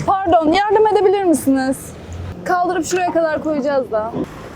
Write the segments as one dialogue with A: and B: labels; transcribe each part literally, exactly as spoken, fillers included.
A: Pardon, yardım edebilir misiniz? Kaldırıp şuraya kadar koyacağız da.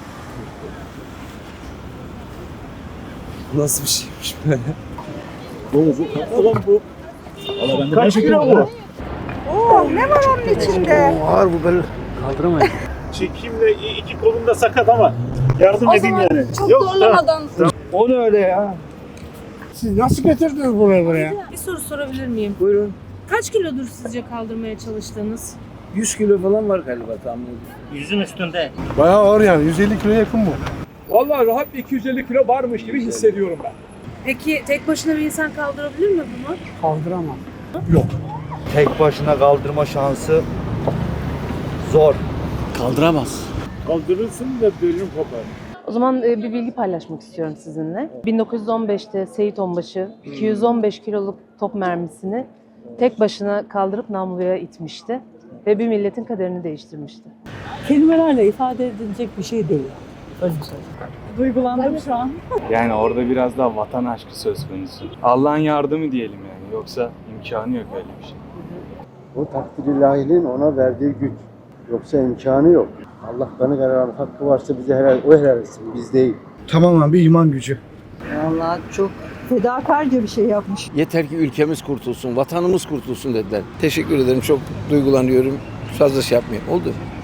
B: Nasıl bir şeymiş böyle?
C: Oğlum bu. Kaç kilo bu?
D: Oo, ne var onun içinde?
B: Ağır bu böyle. Kaldıramayız.
C: Çekimle iki kolum da sakat ama yardım
A: O
C: edeyim
A: zaman
C: yani.
A: çok
C: Yok,
A: zorlamadan.
B: O ne öyle ya?
E: Siz nasıl getirdiniz buraya buraya?
F: Bir soru sorabilir miyim?
B: Buyurun.
F: Kaç kilodur sizce kaldırmaya çalıştığınız?
B: yüz kilo falan var galiba tahmin ediyorum.
C: Yüzün üstünde.
E: Bayağı ağır yani. yüz elli kiloya yakın bu.
G: Vallahi rahat bir iki yüz elli kilo varmış gibi hissediyorum ben.
F: Peki tek başına bir insan kaldırabilir mi bunu?
E: Kaldıramam.
H: Tek başına kaldırma şansı zor.
B: Kaldıramaz.
C: Kaldırırsın da bölüm kopar.
I: O zaman e, bir bilgi paylaşmak istiyorum sizinle. bin dokuz yüz on beşte Seyit Onbaşı iki yüz on beş kiloluk top mermisini tek başına kaldırıp namluya itmişti ve bir milletin kaderini değiştirmişti.
J: Kelimelerle ifade edilecek bir şey değil. Öyle söyleyeyim. Duygulandım şu an.
K: Yani orada biraz daha vatan aşkı söz konusu. Allah'ın yardımı diyelim yani. Yoksa imkanı yok öyle bir şey.
L: O takdir ilahinin ona verdiği güç. Yoksa imkanı yok. Allah kanı kararı hakkı varsa bize helal, o helal etsin, biz değil.
E: Tamamen bir iman gücü.
D: Vallahi çok fedakarca bir şey yapmış.
B: Yeter ki ülkemiz kurtulsun, vatanımız kurtulsun dediler. Teşekkür ederim. Çok duygulanıyorum. Fazla şey yapmayayım. Oldu.